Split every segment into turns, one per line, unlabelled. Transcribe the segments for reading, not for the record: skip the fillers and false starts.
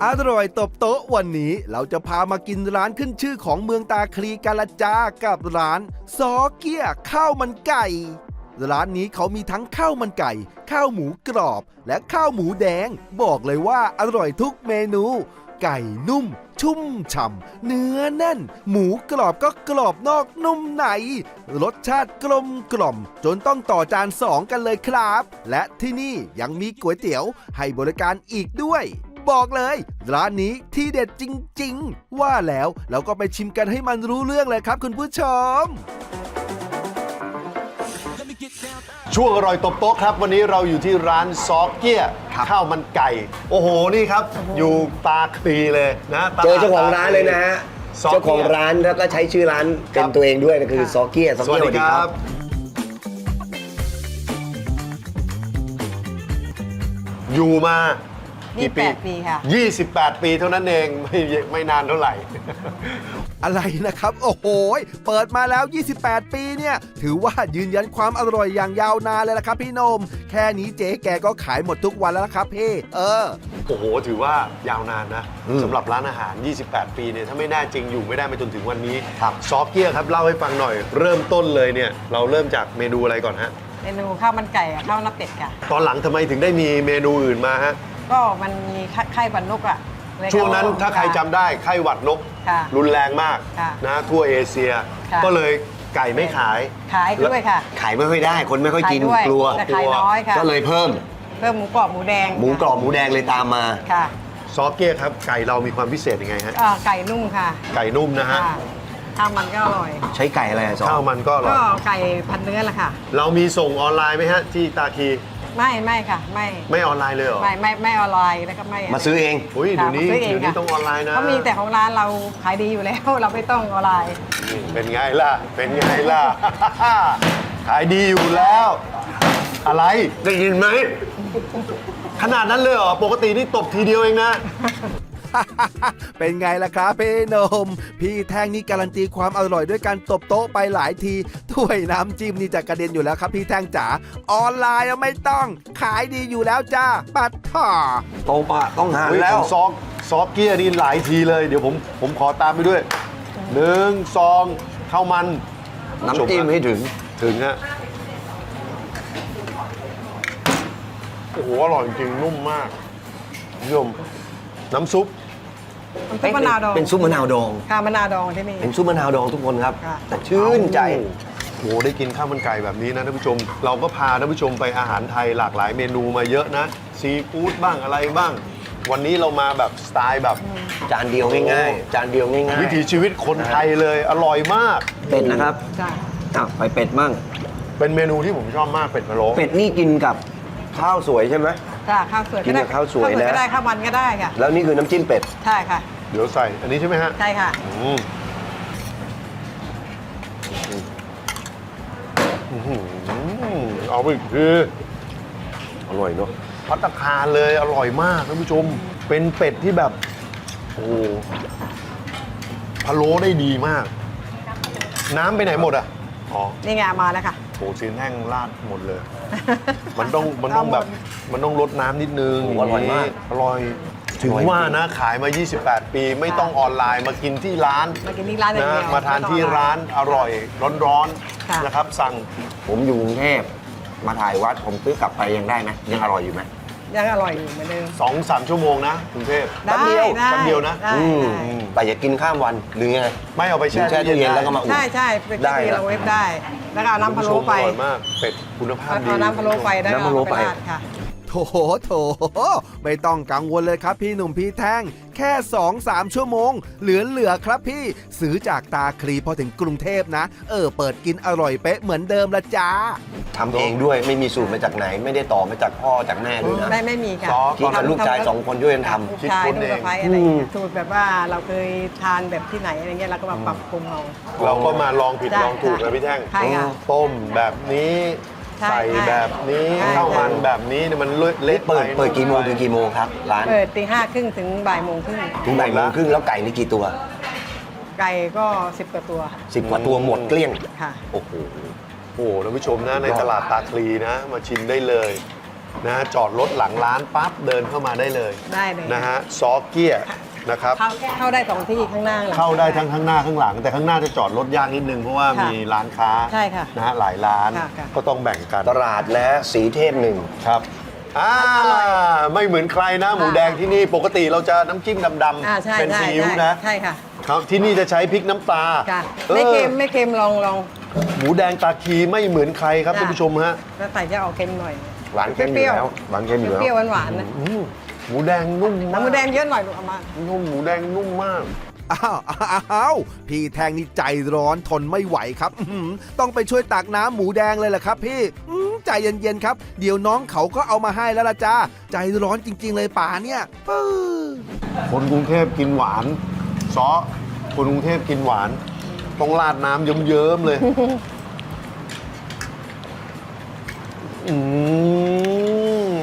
อร่อยตบโต๊ะวันนี้เราจะพามากินร้านขึ้นชื่อของเมืองตาคลีกาลจากับร้านซอเกี้ยข้าวมันไก่ร้านนี้เขามีทั้งข้าวมันไก่ข้าวหมูกรอบและข้าวหมูแดงบอกเลยว่าอร่อยทุกเมนูไก่นุ่มชุ่มฉ่ำเนื้อแน่นหมูกรอบก็กรอบนอกนุ่มในรสชาติกลมกล่อมจนต้องต่อจาน2กันเลยครับและที่นี่ยังมีก๋วยเตี๋ยวให้บริการอีกด้วยบอกเลยร้านนี้ที่เด็ดจริงๆว่าแล้วเราก็ไปชิมกันให้มันรู้เรื่องเลยครับคุณผู้ชม
ช่วงอร่อยตบโต๊ะครับวันนี้เราอยู่ที่ร้านซอเกี้ยข้าวมันไก่โอ้โหนี่ครับอยู่ตาคลีเลยนะ
เจอเจ้าของร้านเลยนะฮะเจ้าของร้านแล้วก็ใช้ชื่อร้านเป็นตัวเองด้วยก็คือซอเกี้ยซอ
สวั
เกี้
ส
ย
ดีครับอยู่มากี่ปี
28 ปีค่ะ
28 ปีเท่านั้นเองไม่นานเท่าไหร่
อะไรนะครับโอ้โหเปิดมาแล้ว28ปีเนี่ยถือว่ายืนยันความอร่อยอย่างยาวนานเลยละครับพี่นมแค่นี้เจ๊แกก็ขายหมดทุกวันแล้วครับพี่
โอ้โหถือว่ายาวนานนะสำหรับร้านอาหาร 28 ปีเนี่ยถ้าไม่แน่จริงอยู่ไม่ได้มาจนถึงวันนี้ซอเกี้ยครับเล่าให้ฟังหน่อยเริ่มต้นเลยเนี่ยเราเริ่มจากเมนูอะไรก่อนฮะ
เมนูข้าวมันไก่กับข้าวหน้าเป็ดค่ะ
ตอนหลังทำไมถึงได้มีเมนูอื่นมาฮะ
ก็มันมีไข้หวัดนกอ่ะ
ช่วงนั้นถ้าใครจำได้ไข้หวัดนกรุนแรงมากนะทั่วเอเชียก็เลยไก่ไม่ขาย
ด้วยค่ะ
ขายไม่ค่อยได้คนไม่ค่อยกินกลัว
ขายน้อยค่ะ
ก็เลยเพิ่ม
หมูกรอบหมูแดง
หมูกรอบหมูแดงเลยตามมา
ค่ะ
ซอเก้ครับไก่เรามีความพิเศษยังไงฮะ
ไก่นุ่มค่ะ
ไก่นุ่มนะฮะ
ข้าวมันก็อร่อย
ใช้ไก่อะไรซอ
ข้าวมันก็อร่อย
ก็ไก่พันเนื้อแหละค่ะ
เรามีส่งออนไลน์ไหมฮะที่ตาคี
ไม่ค่ะ
ไม่ออนไลน์เลยเหรอ
ไม่ออนไลน์แล้วก็ไม่
มาซื้อเอง
อุ้ยเดี๋ยวนี้ต้องออนไลน์นะ
ก็มีแต่ของร้านเราขายดีอยู่แล้วเราไม่ต้องออนไลน์
เป็นไงล่ะขายดีอยู่แล้วอะไร
ได้ยินไหม
ขนาดนั้นเลยเหรอปกตินี่ตบทีเดียวเองนะ
เป็นไงล่ะครับพี่นมพี่แท่งนี่การันตีความอร่อยด้วยการตบโต๊ะไปหลายทีถ้วยน้ำจิ้มนี่จะกระเด็นอยู่แล้วครับพี่แท่งจ๋าออนไลน์ไม่ต้องขายดีอยู่แล้วจ้าปัดถ่อ
โตปะต้องหาแล้ว
ซอเกี้ยนี่หลายทีเลยเดี๋ยวผมขอตามไปด้วย1 2ข้าวมัน
น้ำจิ้มให้ถึง
ฮะโอ้โหอร่อยจริงนุ่มมากยมน้ำซุป
มะนาวดอง
เป็นซุปมะนาวดอง
ค่ะมะนาวดองที่นี่
เป็นซุปมะนาวดองทุกคนครับแต่ชื่นใจ
โอ้ได้กินข้าวมันไก่แบบนี้นะท่านผู้ชมเราก็พาท่านผู้ชมไปอาหารไทยหลากหลายเมนูมาเยอะนะซีฟู้ดบ้างอะไรบ้างวันนี้เรามาแบบสไตล์แบบ
จานเดียวง่ายๆจานเดียวง่ายๆ
วิถีชีวิตคนไทยเลยอร่อยมาก
เป็ดนะครับไปเป็ดมั่ง
เป็นเมนูที่ผมชอบมากเป็ดพะโล้
เป็ดนี่กินกับข้าวสวยใช่ไหม
จ้าข้าวสวย
กินกับข้าวสวยนะ
ก็ได้ข้าวมันก็ได้ค่ะ
แล้วนี่คือน้ำจิ้มเป็ด
ใช่ค่ะ
เดี๋ยวใส่อันนี้ใช่ไหมฮะ
ใช่ค่ะ
เอาไปคืออร่อยเนาะภัตตาคารเลยอร่อยมากท่านผู้ชมเป็นเป็ดที่แบบโอ้พะโล้ได้ดีมากน้ำไปไหนหมดอ่ะอ๋อ
นี่ไงมาแล้วค่ะ
โอ้ซีนแห้งราดหมดเลยมันต้องแบบมันต้องลดน้ำนิดนึง
อร่อยมาก
อร่อยถึงว่านะขายมา28ปีไม่ต้องออนไลน์มากินที่ร้าน
นะ
มาทานที่ร้านอร่อยร้อนๆนะครับสั่ง
ผมอยู่กรุงเทพมาถ่ายวัดผมซื้อกลับไปยังได้ไหมยังอร่อยอยู่ไหม
ยังอร่อยอยู่เหมือนเดิม
2-3 ชั่วโมงนะกรุงเทพ
แป๊บเดียว
นะ
แต่อย่ากินข้ามวันหรือไง
ไม่เอาไปแช่
ตู้เย็นแล้วก็มาอุ่น
ใช่เป็นที่เราเวฟได้แล้วก็เอาน้ำพะโล้ไป
อร่อยมากเป็ดคุณภาพดี
เอาน้ำพะโล้ไปได้น้ำพะโล้ไปค่ะ
โถไม่ต้องกังวลเลยครับพี่หนุ่มพี่แท่งแค่ 2-3 ชั่วโมงเหลือครับพี่ซื้อจากตาคลีพอถึงกรุงเทพนะเปิดกินอร่อยเป๊ะเหมือนเดิมละจ้า
ทำเองด้วยไม่มีสูตรมาจากไหนไม่ได้ต่อมาจากพ่อจากแม่ด้วยนะ
ไม่มีค่ะ
คิดกับลูกชาย2 คนด้วยกันท
ำคิดคนเองสูตรแบบว่าเราเคยทานแบบที่ไหนอะไรเงี้ยเราก็มาปรับปรุง
เราก็มาลองผิดลองถูกนะพี่แท่งต้มแบบนี้ใส่แบบนี้ข้าวมันแบบนี้เนี่ยมันเละ
เปิดกี่โมงถึงกี่โมงครับร้าน
เปิดตี 5:30 ถึงบ่ายโมงครึ่ง
ถึงบ่ายโมงครึ่งแล้วไก่นี่กี่ตัว
ไก่ก็10 กว่าตัว
10 กว่าตัวหมดเกลี้ยง
ค่ะ
โอ้โห
ท่านผู้ชมนะในตลาดตาคลีนะมาชิมได้เลยนะจอดรถหลังร้านปั๊บเดินเข้ามาได้เลย
ได้เลย
นะฮะซอเกียนะครับ
เข้าได้2ที่ข้างหน้าหลัง
เข้าได้ทั้งข้างหน้าข้างหลัง แต่ข้างหน้าจะจอดรถยากนิดนึงเพราะว่า
ค่ะ
มีร้านค้า
ใช่ค่ะ
นะฮะหลายร้าน
ค่ะค่ะ
ก็ต้องแบ่งกัน
ตลาดและสีเทพหนึ่ง
ครับไม่เหมือนใครนะ หมูแดงที่นี่ปกติเราจะน้ำจิ้มดำ
ใช่
ๆเป็น
ใช่
ซีอิ๊วนะ
ใช่ค่ะ
ครับที่นี่จะใช้พริกน้ำปลา
ค่ะ
ออ
ไม่เค็มไม่เค็มลอง
หมูแดงตาคีไม่เหมือนใครครับ
จ้ะ
ท่านผู้ชมฮะ
แล้วใส่จะออกเค็มหน่อย
หวานเค็มอยู่แล้วหวานเค็มอยู่แล้ว
เปรี้ยวๆหวานๆนะ
หมูแดงนุ่มมาก
น้ำหมูแดงเยอะหน่อยลูกเอามา
นุ่มหมูแดงนุ่มมาก
อ้าวพี่แทงนี่ใจร้อนทนไม่ไหวครับต้องไปช่วยตักน้ำหมูแดงเลยแหละครับพี่ใจเย็นๆครับเดี๋ยวน้องเขาก็เอามาให้แล้วล่ะจ้าใจร้อนจริงๆเลยป่าเนี่ยปื้อ
คนกรุงเทพกินหวานซอคนกรุงเทพกินหวาน ต้องราดน้ำเยิ้มๆเลย อืม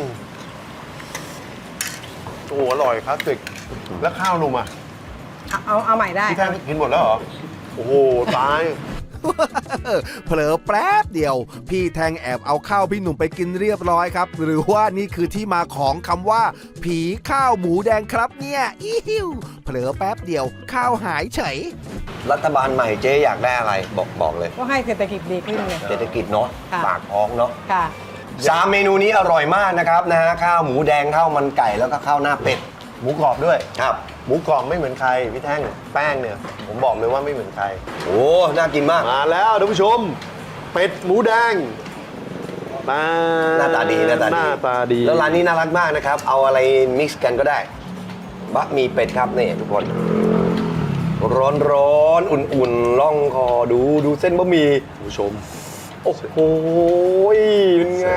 โอ้โหอร่อยคลาสสิกแล้วข้าวหนุ่มอ่ะ
เอาใหม่ได้
พี่แท่งกินหมดแล้วเหรอ โอ้โห ตาย
เผลอแป๊บเดียว พี่แทงแอบเอาข้าวพี่หนุ่มไปกินเรียบร้อยครับ หรือว่านี่คือที่มาของคำว่า ผีข้าวหมูแดงครับเนี่ยอิ้วเผลอแป๊บเดียวข้าวหายเฉย
รัฐบาลใหม่เจ๊อยากได้อะไรบอกเลย
ก็ให้เศรษฐกิจดีขึ้นไง
เศรษฐกิจเนาะ
ค่ะ
ปากท้องเนาะ
ค่ะ
3 เมนูนี้อร่อยมากนะครับนะฮะข้าวหมูแดงข้าวมันไก่แล้วก็ข้าวหน้าเป็ด
หมูกรอบด้วย
ครับ
หมูกรอบไม่เหมือนใคร พี่แท่งแป้งเนี่ย ผมบอกเลยว่าไม่เหมือนใคร
โอ้น่ากินมาก
มาแล้วท่านผู้ชม เป็ดหมูแดงมา
หน้าตาดีหน้าตา
ห
ดี
น้าตาดี
แล้วร้านนี้น่ารักมากนะครับ เอาอะไรมิกซ์กันก็ได้บะหมี่เป็ดครับนี่ทุกคน ร้อนๆอุ่นๆล่องคอดูเส้นบะหมี่
ท่านผู้ชม
โอ้โหเป็นไง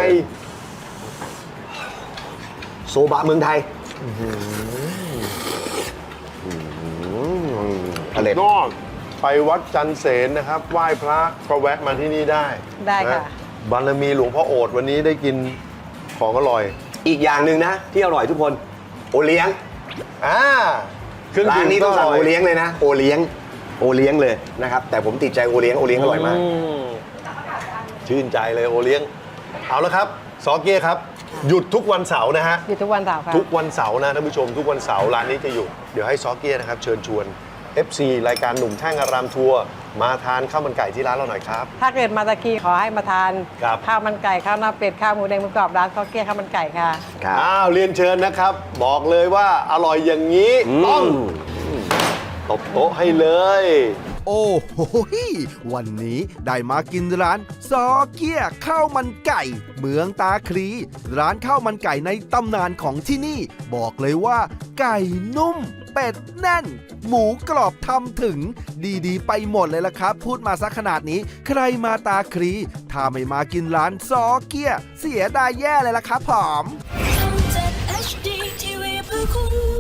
โซบะเมืองไทยอร่อย
นอกไปวัดจันเสนนะครับ ไหว้พระก็แวะมาที่นี่ได้
ได้ค่ะ
นบารมีหลวงพ่อโอษฐ์วันนี้ได้กินของอร่อย
อีกอย่างหนึ่งนะ ที่อร่อยทุกคน โอเลี้ยง
เครื่อง
ร้า
ดื่
น
ม
นี้ต้องสั่ง
ก็
โอเลี้ยงเลยนะ โอเลี้ยงเลยนะครับ แต่ผมติดใจโอเลี้ยงอร่อยมาก
ชื่นใจเลยโอเลี้ยง เอาละครับซอเกียครับ หยุดทุกวันเสาร์นะฮะ
อยู่ทุกวันเสาร์ค่ะ
ทุกวันเสาร์นะท่านผู้ชม ทุกวันเสาร์ร้านนี้จะอยู่ เดี๋ยวให้ซอเกียนะครับ เชิญชวน FC รายการหนุ่มแท่งอารามทัวร์มาทานข้าวมันไก่ที่ร้านเราหน่อยครับ
ถ้าเกิดมาตะกี้ขอให้มาทาน
ครับ
ข้าวมันไก่ข้าวหน้าเป็ดข้าวหมูแดงหมูกรอบร้านข้าวเกี๊ยวข้าวมันไก่ค่ะ
ครับ
อ้าวเรียนเชิญนะครับ บอกเลยว่าอร่อยอย่างนี้ ต้องตบโต๊ะให้เลย
โอ้โหวันนี้ได้มากินร้านซอเกียข้าวมันไก่ เมืองตาคลีร้านข้าวมันไก่ในตำนานของที่นี่ บอกเลยว่า ไก่นุ่ม เป็ดแน่น หมูกรอบทำถึง ดีๆ ไปหมดเลยล่ะครับ พูดมาซะขนาดนี้ ใครมาตาคลีถ้าไม่มากินร้านซอเกียเสียดายแย่เลยล่ะครับผม
ทำจาก HD TV เพื่อคุณ